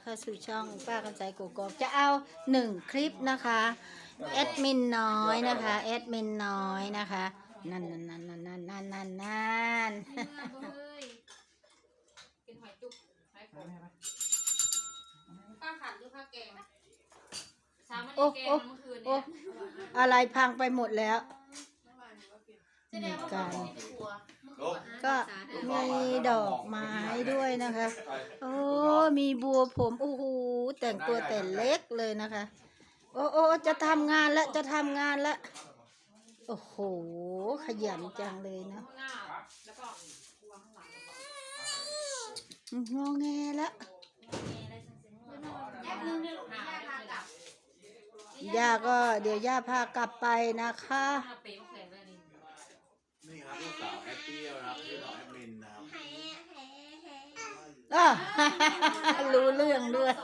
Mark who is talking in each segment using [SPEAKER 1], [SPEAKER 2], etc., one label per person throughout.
[SPEAKER 1] เข้าสู่ช่องป้าคำใสกกอกจะเอา1 คลิปนะคะแอดมินน้อยนะคะแอดมินน้อยนะคะนั่น
[SPEAKER 2] กินหอยจุ๊บหอยขมป้าขัดหรือผ้าแกงสามวันแกงเมื่อคืนเนี่ย
[SPEAKER 1] อะไรพังไปหมดแล้วก็มีดอกไม้ด้วยนะคะโอ้มีบัวผมโอ้โหแต่งตัวแต่เล็กเลยนะคะโอ้จะทำงานแล้วจะทำงานแล้วโอ้โหขยันจังเลยนะงอแงแล้วย่าก็เดี๋ยวย่าพากลับไปนะคะ
[SPEAKER 3] นี่ครับลูกสาวแอปเปิลนะครับชื่อน้องแอดมินนะครับ
[SPEAKER 1] รู้เรื่องด้วย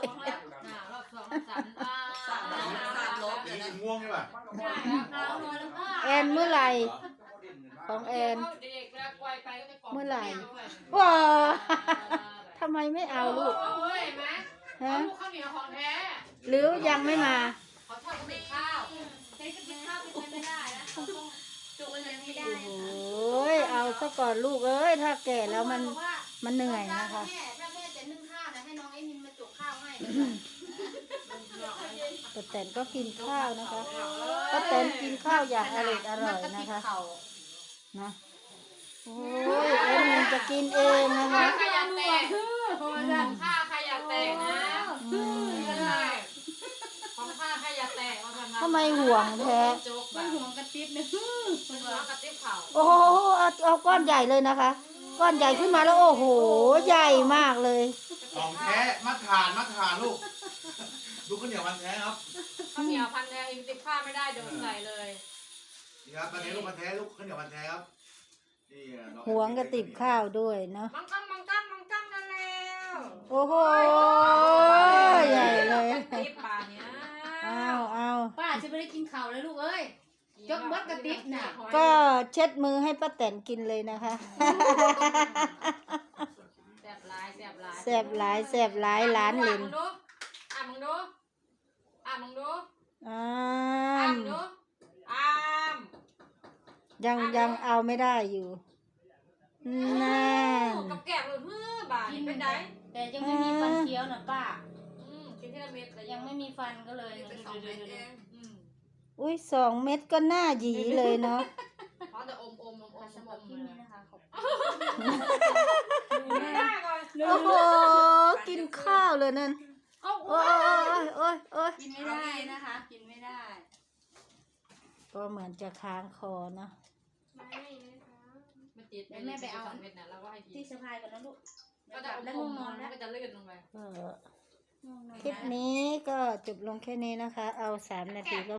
[SPEAKER 3] ง่วงใช่ป่ะ
[SPEAKER 1] แอนเมื่อไหร่ของแอนเมื่อไหร่ว้าทำไมไม่เอาลูกฮะหรือยังไม่มา
[SPEAKER 2] เขาทำเป็นข้าวใช้กับข้าวเป็นไม่ได้นะจุกมันไม่ได้
[SPEAKER 1] โอ้ยเอาซะก่อนลูกเอ้ยถ้าแก่แล้วมันเหนื่อยนะคะ
[SPEAKER 2] ถ้าแม่จะนึ่งข้าวนะให้น้องไอ้มินมาจุกข้าวให้
[SPEAKER 1] ป้าแตนก็กินข้าวนะคะป้าแตนกินข้าวอย่างอร่อยนะคะนะโอ้ยเอ็มจะกินเองนะคะ
[SPEAKER 2] ใครอยากแตกข้าใครอยากแตกนะของข้าใครอยากแตก
[SPEAKER 1] ทำไมห่วงแท้
[SPEAKER 2] ห่วงกระติ๊บเนี่ยห่วงกระติ๊บเข่า
[SPEAKER 1] โอ้โหเอาก้อนใหญ่เลยนะคะก้อนใหญ่ขึ้นมาแล้วโอ้โหใหญ่มากเลย
[SPEAKER 3] ของแท้มาทานลูกดูข้าวเหนียวมันแท้ครับ
[SPEAKER 2] ข้าวเหนียวพันแท้อินติผ้าไม่ได้โดนใส่เลย
[SPEAKER 3] นี่ครับมันแท้ลูกมันแท้ลูกข้าวเหนียวมันแท้ครับนี่
[SPEAKER 1] ห่วงกระติบข้าวด้วยเนาะ
[SPEAKER 2] มังกั้งนั่นแล้ว
[SPEAKER 1] โอ้โหใหญ่เลย
[SPEAKER 2] ติ๊บป่าเนี้ย
[SPEAKER 1] เอา
[SPEAKER 2] ป้าจะไม่ได้กินข้าวเลยลูกเอ้ยยกมัดกระติ๊บน่ะ
[SPEAKER 1] ก็เช็ดมือให้ป้าแตนกินเลยนะคะ
[SPEAKER 2] แซ่บหลาย
[SPEAKER 1] หลานลิน
[SPEAKER 2] มึงดู
[SPEAKER 1] ยังเอาไม่ได้อยู่นั่น
[SPEAKER 2] กับแกะเลยบ่ากินไม่ได้แต่ยังไม่มีฟันเคี้ยวนะป้ากินทีละเม็ดแต่ยังไม่มีฟันก็เลย
[SPEAKER 1] อุ้ย2 เม็ดก็น่าหยีเลยเนาะ
[SPEAKER 2] เพราะแต่อมสมองที่นี่นะคะ
[SPEAKER 1] โอ้โหกินข้าวเลยนั่นโอ้ย
[SPEAKER 2] กินไม่ได้นะคะกินไม่ได้
[SPEAKER 1] ก็เหมือนจะค้างคอเนาะ
[SPEAKER 2] ไม่ติดแม่ไปเอาเม็ดนะแล้วก็ให้กินที่สะพายก่อนนะลูกก็จะแล้วงงแล้วก็จะเลื่อนลงไป
[SPEAKER 1] คลิปนี้ก็จบลงแค่นี้นะคะเอา3 นาทีก็